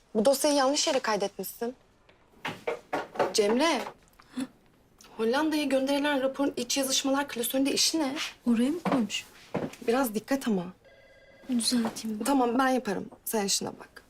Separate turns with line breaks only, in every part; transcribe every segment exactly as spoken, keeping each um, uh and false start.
Bu dosyayı yanlış yere kaydetmişsin. Cemre. Hollanda'ya gönderilen raporun iç yazışmalar klasöründe işi ne?
Oraya mı koymuş?
Biraz dikkat ama.
Düzelteyim ben.
Tamam ben yaparım. Sen işine bak.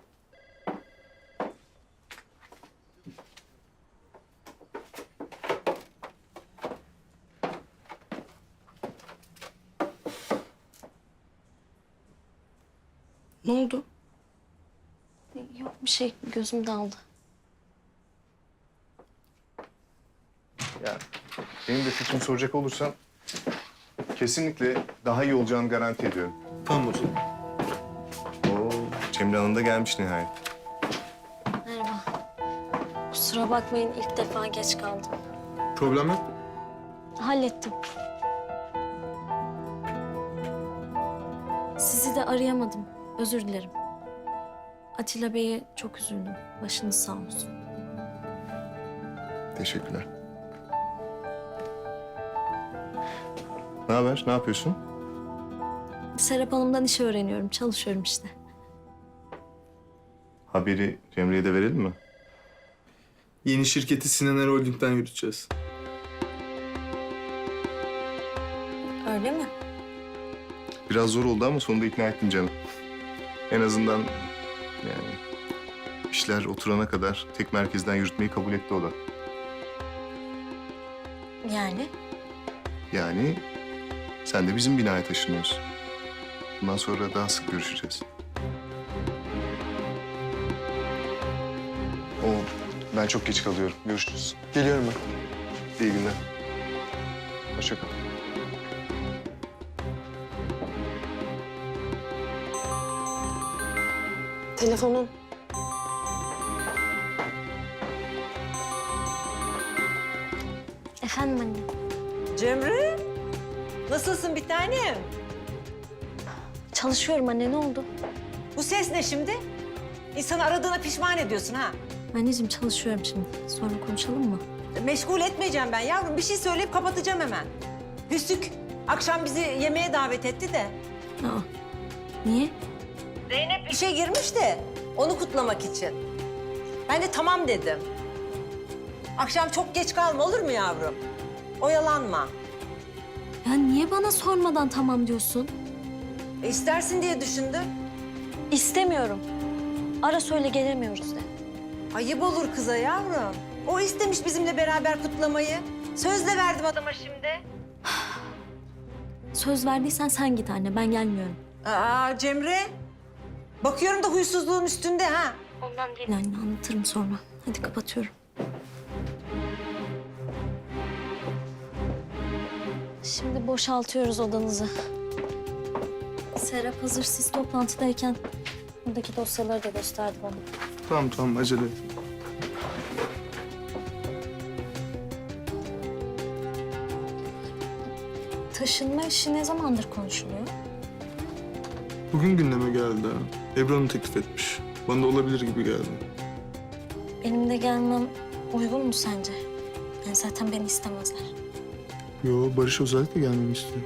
Ne oldu?
Yok bir şey, gözüm daldı.
Ya benim de fikrimi soracak olursan kesinlikle daha iyi olacağını garanti ediyorum.
Tamam hocam.
Oo, Cemre Hanım da gelmiş nihayet.
Merhaba. Kusura bakmayın, ilk defa geç kaldım.
Problem yok.
Hallettim. Sizi de arayamadım. Özür dilerim. Atilla Bey'e çok üzüldüm. Başınız sağ olsun.
Teşekkürler. Ne haber? Ne yapıyorsun?
Serap Hanım'dan iş öğreniyorum. Çalışıyorum işte.
Haberi Cemre'ye de verelim mi?
Yeni şirketi Sinan Holding'den yürüteceğiz.
Öyle mi?
Biraz zor oldu ama sonunda ikna ettim canım. En azından yani işler oturana kadar tek merkezden yürütmeyi kabul etti o da.
Yani?
Yani sen de bizim binaya taşınıyorsun. Bundan sonra daha sık görüşeceğiz. O ben çok geç kalıyorum. Görüşürüz.
Geliyorum ben.
İyi günler. Hoşça kal.
Telefonun.
Efendim anne.
Cemre, nasılsın bir tanem?
Çalışıyorum anne, ne oldu?
Bu ses ne şimdi? İnsanı aradığına pişman ediyorsun ha.
Anneciğim çalışıyorum şimdi. Sonra konuşalım mı?
Meşgul etmeyeceğim ben yavrum. Bir şey söyleyip kapatacağım hemen. Hüsnük akşam bizi yemeğe davet etti de.
Aa, niye?
Zeynep işe girmiş de onu kutlamak için. Ben de tamam dedim. Akşam çok geç kalma olur mu yavrum? Oyalanma.
Ya niye bana sormadan tamam diyorsun?
E, istersin diye düşündüm.
İstemiyorum. Ara söyle gelemiyoruz de.
Ayıp olur kıza yavrum. O istemiş bizimle beraber kutlamayı. Sözle verdim adama şimdi.
Söz verdiysen sen git anne, ben gelmiyorum.
Aa Cemre. Bakıyorum da huysuzluğun üstünde ha.
Ondan değil anne, anlatırım sonra. Hadi kapatıyorum. Şimdi boşaltıyoruz odanızı. Serap hazır siz toplantıdayken buradaki dosyaları da gösterdi bana.
Tamam tamam acele et.
Taşınma işi ne zamandır konuşuluyor?
Bugün gündeme geldi ha. Ebru Hanım teklif etmiş. Bana da olabilir gibi geldi.
Benim de gelmem uygun mu sence? Yani zaten beni istemezler.
Yo Barış özellikle gelmemi istiyor.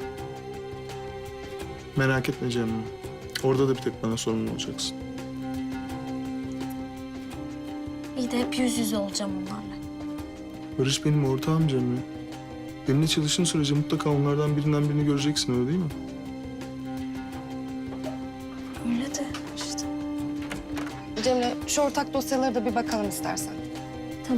Merak etme Cemre. Orada da bir tek bana sorumlu olacaksın.
İyi de hep yüz yüze olacağım onlarla.
Barış benim ortağım Cemre. Benimle çalıştığın sürece mutlaka onlardan birinden birini göreceksin öyle değil mi?
Öyle de işte.
Cemre şu ortak dosyalara da bir bakalım istersen.
Tamam.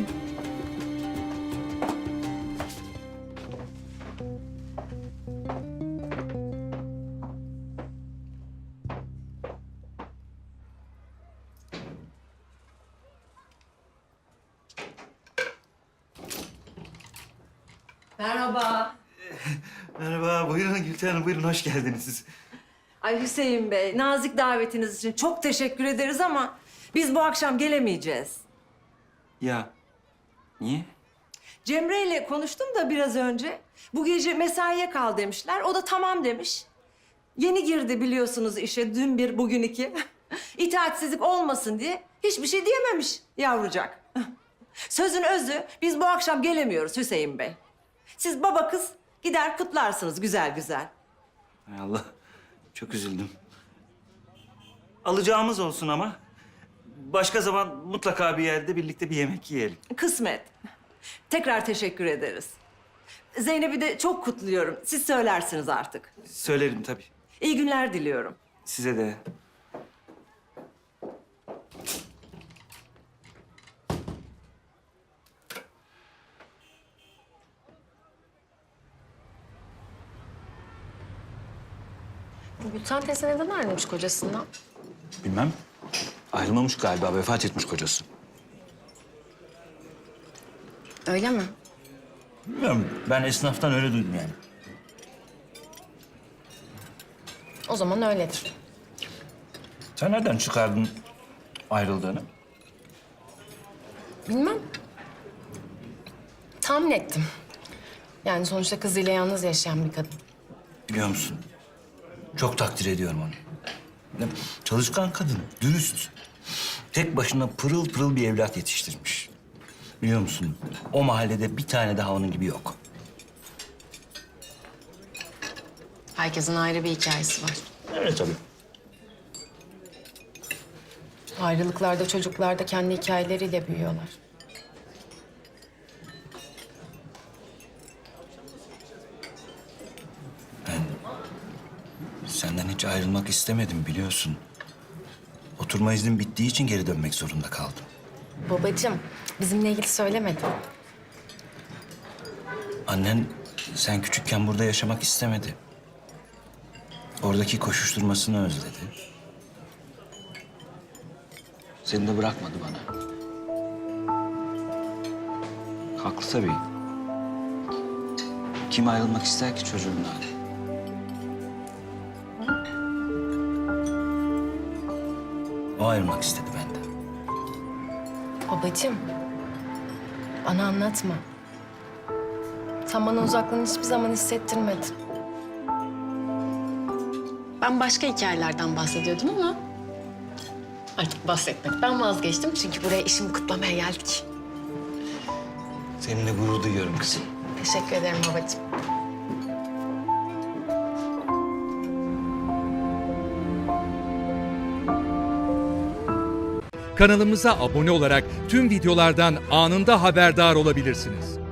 Merhaba.
Merhaba, buyurun Gülten Hanım, buyurun hoş geldiniz siz.
Ay Hüseyin Bey, nazik davetiniz için çok teşekkür ederiz ama biz bu akşam gelemeyeceğiz.
Ya, niye?
Cemre ile konuştum da biraz önce. Bu gece mesaiye kal demişler. O da tamam demiş. Yeni girdi biliyorsunuz işe. Dün bir, bugün iki. İtaatsizlik olmasın diye hiçbir şey diyememiş yavrucak. Sözün özü, biz bu akşam gelemiyoruz Hüseyin Bey. Siz baba kız gider kutlarsınız güzel güzel.
Hay Allah, çok üzüldüm. Alacağımız olsun ama. Başka zaman mutlaka bir yerde birlikte bir yemek yiyelim.
Kısmet. Tekrar teşekkür ederiz. Zeynep'i de çok kutluyorum. Siz söylersiniz artık.
Söylerim tabii.
İyi günler diliyorum.
Size de.
Gülten teyze neden ayrılmış kocasından?
Bilmem. Ayrılmamış galiba, vefat etmiş kocası.
Öyle mi?
Bilmiyorum, ben esnaftan öyle duydum yani.
O zaman öyledir.
Sen nereden çıkardın ayrıldığını?
Bilmem. Tahmin ettim. Yani sonuçta kızıyla yalnız yaşayan bir kadın.
Biliyor musun? Çok takdir ediyorum onu. Ya, çalışkan kadın, dürüst. Tek başına pırıl pırıl bir evlat yetiştirmiş. Biliyor musun? O mahallede bir tane daha onun gibi yok.
Herkesin ayrı bir hikayesi var.
Evet tabii.
Ayrılıklarda çocuklar da kendi hikayeleriyle büyüyorlar.
Senden hiç ayrılmak istemedim biliyorsun. Oturma iznim bittiği için geri dönmek zorunda kaldım.
Babacığım, bizimle ilgili söylemedi.
Annen sen küçükken burada yaşamak istemedi. Oradaki koşuşturmasını özledi. Seni de bırakmadı bana. Haklı tabii. Kim ayrılmak ister ki çocuğundan? O ayrılmak istedi benden.
Babacığım, bana anlatma. Sen bana uzaklığını hiçbir zaman hissettirmedin. Ben başka hikayelerden bahsediyordum ama artık bahsetmekten vazgeçtim. Çünkü buraya işimi kutlamaya geldik.
Seninle gurur duyuyorum kızım.
Teşekkür ederim babacığım.
Kanalımıza abone olarak tüm videolardan anında haberdar olabilirsiniz.